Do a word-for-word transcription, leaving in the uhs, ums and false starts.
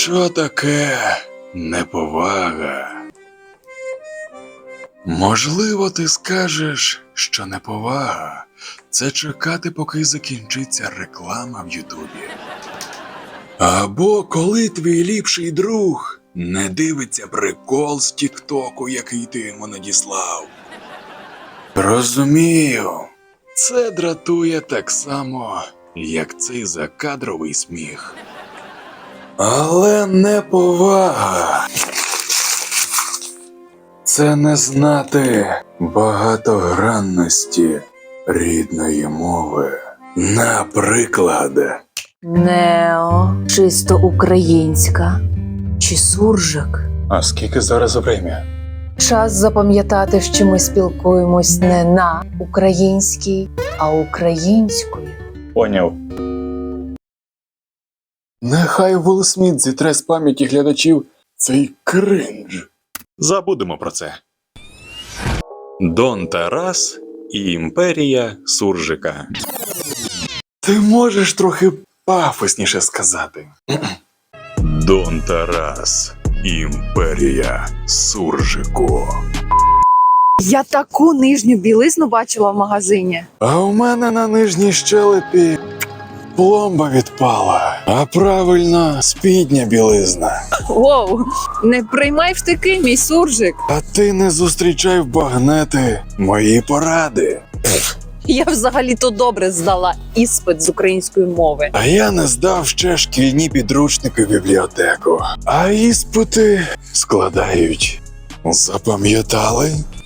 Що таке неповага? Можливо, ти скажеш, що неповага – це чекати, поки закінчиться реклама в Ютубі. Або коли твій ліпший друг не дивиться прикол з Тіктоку, який ти йому надіслав. Розумію, це дратує так само, як цей закадровий сміх. Але неповага – це не знати багатогранності рідної мови. Наприклад, Нео, чисто українська чи суржик? а скільки зараз время? Час запам'ятати, що ми спілкуємось не на українській, а українською. Поняв. Нехай Уилл Сміт зітре з пам'яті глядачів цей кринж. Забудемо про це. Дон Тарас і імперія суржика. Ти можеш трохи пафосніше сказати? Дон Тарас, імперія суржику. Я таку нижню білизну бачила в магазині. А у мене на нижній щелепі пломба відпала, а правильно спідня білизна. Воу, не приймай втики, мій суржик. А ти не зустрічай в багнети мої поради. Я взагалі-то добре здала іспит з української мови. А я не здав ще шкільні підручники в бібліотеку. А іспити складають. Запам'ятали?